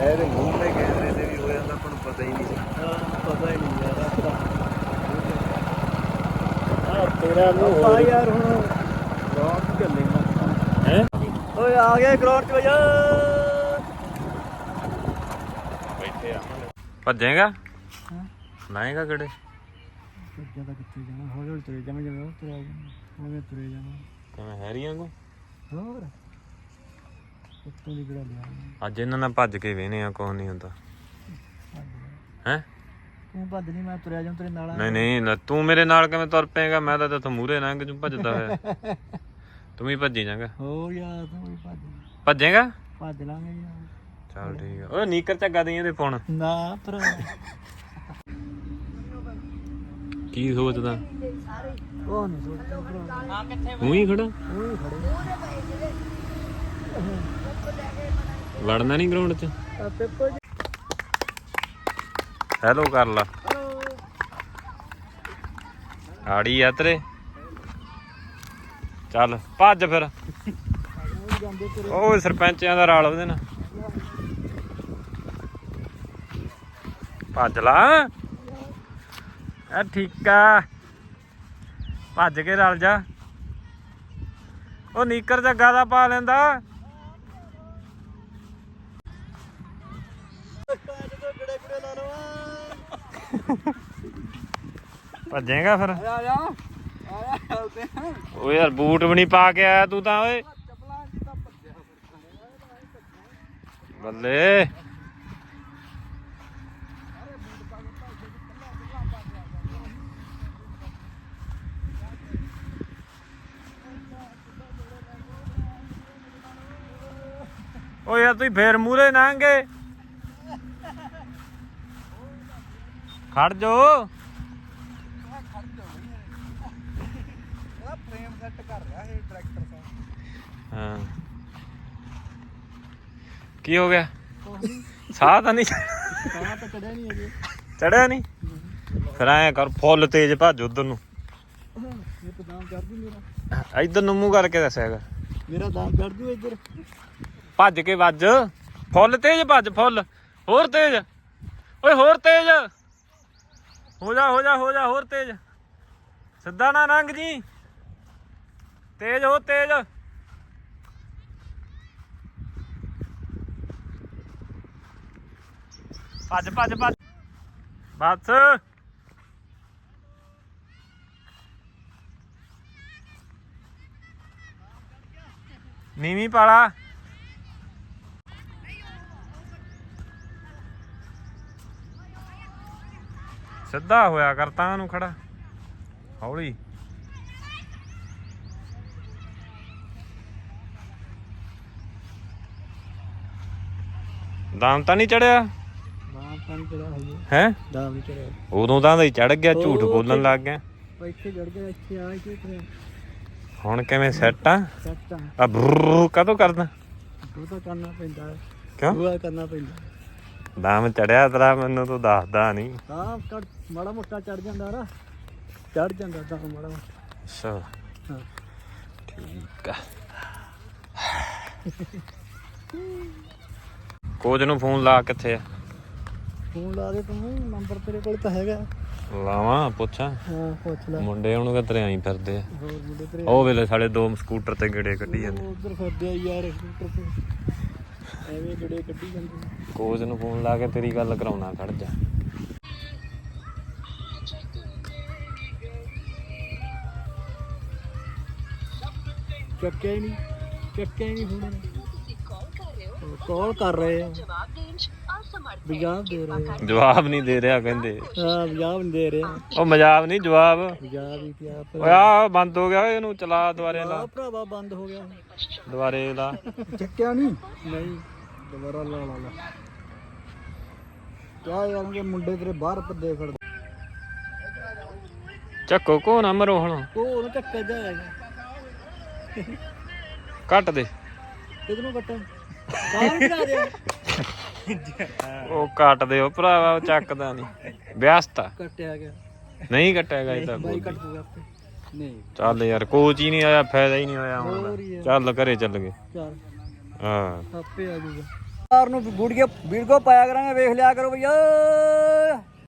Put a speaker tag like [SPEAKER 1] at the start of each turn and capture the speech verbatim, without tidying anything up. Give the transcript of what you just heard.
[SPEAKER 1] ਇਹਦੇ ਮੂੰਹ ਤੇ ਕੈਮਰੇ ਤੇ ਵੀ ਹੋ ਜਾਂਦਾ, ਆਪਾਂ ਨੂੰ ਪਤਾ ਹੀ ਨਹੀਂ ਸੀ।
[SPEAKER 2] ਪਤਾ ਹੀ ਨਹੀਂ ਯਾਰ ਆਪਾਂ ਆ ਤੇਰਾ ਨੂੰ ਆ ਯਾਰ ਹੁਣ ਗਰਾਊਂਡ ਚ ਚੱਲੇ
[SPEAKER 1] ਹੈ
[SPEAKER 2] ਓਏ ਆ ਗਏ ਗਰਾਊਂਡ ਚ ਭਈਆ
[SPEAKER 1] ਬੈਠੇ ਆ ਭੱਜੇਗਾ
[SPEAKER 2] ਹਾਂ
[SPEAKER 1] ਲਾਏਗਾ ਕਿਹੜੇ
[SPEAKER 2] ਜਿਆਦਾ ਕਿੱਥੇ ਜਾਣਾ ਹੌਲੀ ਹੌਲੀ ਤੁਰੇ ਜਾਵਾਂ ਜਿਵੇਂ ਉਹ ਤੁਰਿਆ ਜਾਣਾ ਉਵੇਂ ਤੁਰੇ ਜਾਵਾਂ
[SPEAKER 1] ਕਿਵੇਂ ਹੈਰੀਆਂ ਕੋ
[SPEAKER 2] ਹੋਰ ਉੱਤੋਂ ਦੀ ਕਿਹੜਾ ਲਿਆ
[SPEAKER 1] ਅੱਜ ਇਹਨਾਂ ਨਾਲ ਭੱਜ ਕੇ ਵੇਹਨੇ ਆ, ਕੁਛ ਨਹੀਂ ਹੁੰਦਾ ਹੈ।
[SPEAKER 2] ਤੂੰ ਭੱਜ ਨਹੀਂ ਮੈਂ ਤੁਰਿਆ ਜਾਵਾਂ ਤੇਰੇ ਨਾਲ।
[SPEAKER 1] ਨਹੀਂ ਨਹੀਂ ਲੈ, ਤੂੰ ਮੇਰੇ ਨਾਲ ਕਿਵੇਂ ਤੁਰ ਪਏਗਾ? ਮੈਂ ਤਾਂ ਤੇਥੋਂ ਮੂਹਰੇ ਲੰਘ ਜੂ ਭੱਜਦਾ ਹੋਇਆ। ਤੂੰ ਵੀ ਭੱਜੀ ਜਾਗਾ।
[SPEAKER 2] ਹੋਰ ਯਾਰ ਤੂੰ ਵੀ ਭੱਜ
[SPEAKER 1] ਭੱਜੇਗਾ?
[SPEAKER 2] ਭੱਜ ਲਾਂਗੇ ਯਾਰ।
[SPEAKER 1] ਚੱਲ ਠੀਕ ਆ। ਓਏ ਨੀਕਰ ਝੱਗਾ ਦੇਈਂ ਇਹਦੇ ਫੋਨ।
[SPEAKER 2] ਨਾ ਪਰ
[SPEAKER 1] ਕੀ ਸੋਚਦਾ?
[SPEAKER 2] ਉਹ ਨਹੀਂ ਸੋਚਦਾ ਭਰਾ। ਆ ਕਿੱਥੇ
[SPEAKER 1] ਤੂੰ ਹੀ ਖੜਾ?
[SPEAKER 2] ਉਹ ਹੀ ਖੜੇ
[SPEAKER 1] ਵੜਨਾ ਨਹੀਂ ਗਰਾਊਂਡ 'ਚ?
[SPEAKER 2] ਆ ਪੇਪਰ
[SPEAKER 1] ਹੈਲੋ ਕਰ ਲਾ। ਆੜੀ ਆ ਤੇਰੇ। ਚੱਲ ਭੱਜ ਫਿਰ। ਉਹ ਸਰਪੰਚਾਂ ਦਾ ਰਾਲ ਉਹਦੇ ਨਾਲ। ਭੱਜ ਲਾ ਆ ਠੀਕ ਆ, ਭੱਜ ਕੇ ਰਲ ਜਾ। ਉਹ ਨੀਕਰ ਜੱਗਾ ਦਾ ਪਾ ਲੈਂਦਾ। ਭੱਜੇਗਾ ਫਿਰ?
[SPEAKER 2] ਆ ਜਾ ਆ ਜਾ
[SPEAKER 1] ਓ ਯਾਰ ਬੂਟ ਵੀ ਨਹੀਂ ਪਾ ਕੇ ਆਇਆ ਤੂੰ ਤਾਂ। ਓਏ ਬੱਲੇ ਓ ਯਾਰ ਤੁਸੀਂ ਫੇਰ ਮੂਹਰੇ ਲੰਘੇ। ਖੜ ਜੋ।
[SPEAKER 2] ਫਰੇਮ ਸੈੱਟ ਕਰ ਰਿਹਾ ਇਹ ਟਰੈਕਟਰ ਦਾ।
[SPEAKER 1] ਹਾਂ ਕੀ ਹੋ ਗਿਆ? ਸਾਹ ਤਾਂ ਨਹੀਂ
[SPEAKER 2] ਸਾਹ ਤਾਂ ਚੜਿਆ ਨਹੀਂ ਅਜੇ।
[SPEAKER 1] ਚੜਿਆ ਨਹੀਂ? ਫਿਰ ਐਂ ਕਰ ਫੁੱਲ ਤੇਜ਼ ਭੱਜ ਉਧਰ ਨੂੰ।
[SPEAKER 2] ਇਹ ਤਾਂ ਦਾਮ ਚੜ ਜੂ ਮੇਰਾ।
[SPEAKER 1] ਇੱਧਰ ਨੂੰ ਮੂੰਹ ਕਰਕੇ ਦੱਸਿਆ ਕਰ।
[SPEAKER 2] ਮੇਰਾ ਦਾਮ ਚੜ ਜੂ ਇੱਧਰ।
[SPEAKER 1] ਭੱਜ ਕੇ ਵੱਜ। ਫੁੱਲ ਤੇਜ਼ ਭੱਜ। ਫੁੱਲ ਹੋਰ ਤੇਜ਼। ਓਏ ਹੋਰ ਤੇਜ਼ ਹੋ ਜਾ ਹੋ ਜਾ ਹੋ ਜਾ ਹੋਰ ਤੇਜ਼। ਸਿੱਧਾ ਨਾ ਲੰਘ ਜੀ। ਤੇਜ਼ ਹੋ ਤੇਜ਼। ਭੱਜ ਭੱਜ ਭੱਜ ਬਸ। ਨੀਵੀਂ ਪਾਲਾ। ਸਿੱਧਾ ਹੋਇਆ ਕਰ ਤਾਂ ਨੂੰ ਖੜਾ ਹੌਲੀ। ਦਾਮ ਤਾਂ ਨਹੀਂ ਚੜਿਆ?
[SPEAKER 2] ਦਾਮ ਤਾਂ ਨਹੀਂ ਚੜਿਆ ਹਜੇ।
[SPEAKER 1] ਹੈ
[SPEAKER 2] ਦਾਮ ਨਹੀਂ ਚੜਿਆ।
[SPEAKER 1] ਉਦੋਂ ਤਾਂ ਹੀ ਚੜ ਗਿਆ, ਝੂਠ ਬੋਲਣ ਲੱਗ ਗਿਆ।
[SPEAKER 2] ਇੱਥੇ ਚੜ ਗਿਆ, ਇੱਥੇ ਆ ਕੇ
[SPEAKER 1] ਹੁਣ ਕਿਵੇਂ ਸੈੱਟ ਆ?
[SPEAKER 2] ਸੈੱਟ ਆ।
[SPEAKER 1] ਆ ਬਰਰ ਕਦੋਂ ਕਰਦਾ?
[SPEAKER 2] ਉਹ ਤਾਂ ਕਰਨਾ ਪੈਂਦਾ ਹੈ।
[SPEAKER 1] ਕਿਉਂ?
[SPEAKER 2] ਉਹ ਕਰਨਾ ਪੈਂਦਾ।
[SPEAKER 1] ਦਾਮ ਚੜਿਆ ਤੇਰਾ, ਮੈਨੂੰ ਤੂੰ ਦੱਸਦਾ ਨਹੀਂ।
[SPEAKER 2] ਹਾਂ ਕੱਟ ਮਾੜਾ ਮੋਟਾ ਚੜ ਜਾਂਦਾ ਨਾ। ਚੜ ਜਾਂਦਾ ਤਾਂ ਮਾੜਾ ਮੋਟਾ।
[SPEAKER 1] ਅੱਛਾ
[SPEAKER 2] ਹਾਂ
[SPEAKER 1] ਠੀਕ ਆ। ਕੋਚ ਨੂੰ ਫੋਨ ਲਾ। ਕਿੱਥੇ ਆ?
[SPEAKER 2] ਫੋਨ ਲਾ ਦੇ ਤੂੰ। ਨੰਬਰ ਤੇਰੇ ਕੋਲ ਤਾਂ ਹੈਗਾ।
[SPEAKER 1] ਲਾਵਾਂ ਪੁੱਛਾਂ?
[SPEAKER 2] ਹਾਂ ਪੁੱਛ ਲੈ।
[SPEAKER 1] ਮੁੰਡੇ ਹੁਣ ਕਿਧਰੇ ਆਈ ਫਿਰਦੇ ਆ।
[SPEAKER 2] ਹੋਰ ਮੁੰਡੇ ਤੇਰੇ
[SPEAKER 1] ਉਹ ਵੇਲੇ ਸਾਡੇ ਦੋ ਸਕੂਟਰ ਤੇ ਗੇੜੇ ਕੱਢੀ ਜਾਂਦੇ।
[SPEAKER 2] ਉਧਰ ਫਿਰਦੇ ਆ ਯਾਰ ਸਕੂਟਰ ਤੇ ਐਵੇਂ ਗੜੇ ਕੱਢੀ ਜਾਂਦੇ।
[SPEAKER 1] ਕੋਚ ਨੂੰ ਫੋਨ ਲਾ ਕੇ ਤੇਰੀ ਗੱਲ ਕਰਾਉਣਾ। ਖੜ ਜਾ।
[SPEAKER 2] ਚੱਕਿਆ ਹੀ ਨਹੀਂ। ਚੱਕਿਆ ਹੀ ਨਹੀਂ ਫੋਨ। ਕਾਲ ਕਰ ਰਹੇ ਆ। ਪੰਜਾਬ ਦੇ ਰਹੇ ਆ।
[SPEAKER 1] ਜਵਾਬ ਨਹੀਂ ਦੇ ਰਿਹਾ ਕਹਿੰਦੇ।
[SPEAKER 2] ਹਾਂ ਪੰਜਾਬ ਨਹੀਂ ਦੇ ਰਿਹਾ।
[SPEAKER 1] ਉਹ ਮਜ਼ਾਕ ਨਹੀਂ ਜਵਾਬ।
[SPEAKER 2] ਪੰਜਾਬ ਹੀ ਪਿਆ
[SPEAKER 1] ਓਏ ਆ ਬੰਦ ਹੋ ਗਿਆ। ਇਹਨੂੰ ਚਲਾ ਦੁਬਾਰੇ ਲਾ।
[SPEAKER 2] ਭਰਾਵਾ ਬੰਦ ਹੋ ਗਿਆ।
[SPEAKER 1] ਦੁਬਾਰੇ ਲਾ।
[SPEAKER 2] ਚੱਕਿਆ ਨਹੀਂ। ਨਹੀਂ ਦੁਬਾਰਾ ਲਾ ਲਾ ਲਾ। ਕਿਆ ਯਾਰ ਕਿ ਮੁੰਡੇ ਤੇਰੇ ਬਾਹਰ ਪੱਦੇ ਖੜਦੇ।
[SPEAKER 1] ਚੱਕੋ ਕੋ ਨਾ ਮਰੋ ਹੁਣ।
[SPEAKER 2] ਉਹ ਉਹਨੂੰ ਚੱਕਿਆ ਜਾਏਗਾ।
[SPEAKER 1] ਕੱਟ ਦੇ।
[SPEAKER 2] ਕਿਹਨੂੰ ਕੱਟਾਂ? ਕਾਹ ਕਰਾ ਦੇ।
[SPEAKER 1] ਉਹ ਕੱਟ ਦੇ ਉਹ ਭਰਾਵਾ। ਉਹ ਚੱਕਦਾ ਨਹੀਂ। ਵਿਅਸਤ ਆ।
[SPEAKER 2] ਕੱਟਿਆ ਗਿਆ।
[SPEAKER 1] ਨਹੀਂ ਕੱਟਿਆ ਇਹ ਤਾਂ।
[SPEAKER 2] ਬਾਈ ਕੱਟ ਦੂਗਾ ਆਪੇ। ਨਹੀਂ
[SPEAKER 1] ਚੱਲ ਯਾਰ ਕੋਚ ਹੀ ਨਹੀਂ ਆਇਆ, ਫਾਇਦਾ ਹੀ ਨਹੀਂ ਹੋਇਆ ਹੁਣ
[SPEAKER 2] ਹੋਰ
[SPEAKER 1] ਦਾ।
[SPEAKER 2] ਯਾਰ।
[SPEAKER 1] ਚੱਲ ਘਰੇ ਚੱਲ ਗਏ।
[SPEAKER 2] ਚੱਲ
[SPEAKER 1] ਹਾਂ
[SPEAKER 2] ਆਪੇ ਆ ਜਾਊਗਾ। ਨੂੰ ਵੀਡੀਓ ਵੀਡੀਓ ਪਾਇਆ ਕਰਾਂਗੇ, ਵੇਖ ਲਿਆ ਕਰੋ ਭਈਆ।